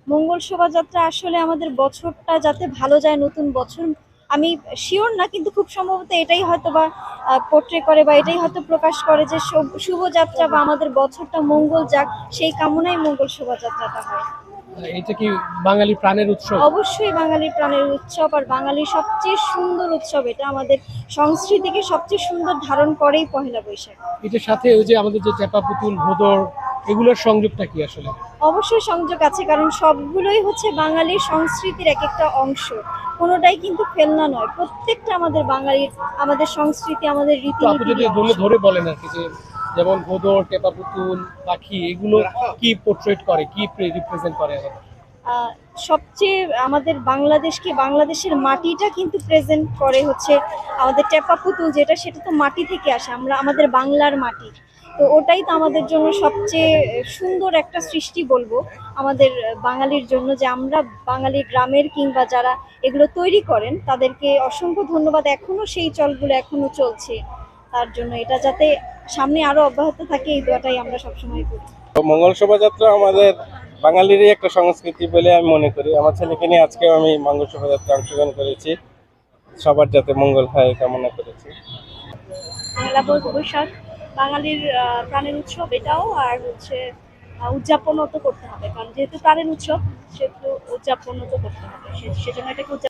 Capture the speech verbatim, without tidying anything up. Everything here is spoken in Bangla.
মঙ্গল শোভাযাত্রা আসলে আমাদের বছরটা যাতে ভালো যায়, নতুন বছর আমি শিওর না, কিন্তু খুব সম্ভবত এটাই হয়তো বা পোট্রে করে বা এটাই হয়তো প্রকাশ করে যে শুভ- শুভযাত্রা বা আমাদের বছরটা মঙ্গল যাক, সেই কামনায় মঙ্গল শোভাযাত্রাটা হয়। এটা কি বাঙালি প্রাণের উৎসব? অবশ্যই বাঙালির প্রাণের উৎসব, আর বাঙালির সবচেয়ে সুন্দর উৎসব এটা। আমাদের সংস্কৃতিকে সবচেয়ে সুন্দর ধারণ করেই পহেলা বৈশাখ। এটার সাথে ওই যে আমাদের যে চাপা পুতুল, ভোদর, এগুলোর সংযোগটা কি আসলে? অবশ্যই সংযোগ আছে, কারণ সবগুলোই হচ্ছে বাঙালির সংস্কৃতির এক একটা অংশ। কোনোটাই কিন্তু ফেলনা নয়, প্রত্যেকটা আমাদের বাঙালির, আমাদের সংস্কৃতি, আমাদের তো আপনি যদি রীতিনীতির ধরে অংশ। ধরে বলেন আর কি, যে যেমন ভোদর, টেপা পুতুল, পাখি, এগুলো কি পোর্ট্রেট করে, কি রিপ্রেজেন্ট করে আমাদের? আহ, সবচেয়ে আমাদের বাংলাদেশকে, বাংলাদেশের মাটিটা কিন্তু প্রেজেন্ট করে হচ্ছে আমাদের টেপা পুতুল, যেটা সেটা তো মাটি থেকে আসে, আমরা আমাদের বাংলার মাটি। তো ওটাই তো আমাদের জন্য সবচেয়ে সুন্দর একটা সৃষ্টি বলবো আমাদের বাঙালির জন্য, যে আমরা বাঙালি গ্রামের কিংবা যারা এগুলো তৈরি করেন তাদেরকে অসংখ্য ধন্যবাদ। এখনো সেই চলগুলো এখনো চলছে, তার জন্য এটা যাতে সামনে আরো অব্যাহত থাকে এই দোয়াটাই আমরা সবসময় করি। তো মঙ্গল শোভাযাত্রা আমাদের বাঙালিরই একটা সংস্কৃতি বলে আমি মনে করি। আমার ছেলেকে নিয়ে আজকেও আমি মঙ্গল শোভাযাত্রা অংশগ্রহণ করেছি, সবার যাতে মঙ্গল হয় কামনা করেছি। পহেলা বৈশাখ বাঙালির আহ, প্রাণের উৎসব এটাও, আর হচ্ছে আহ, উদযাপনও তো করতে হবে, কারণ যেহেতু প্রাণের উৎসব সেহেতু উদযাপনও তো করতে হবে, সে- সেজন্য এটাকে উদযাপন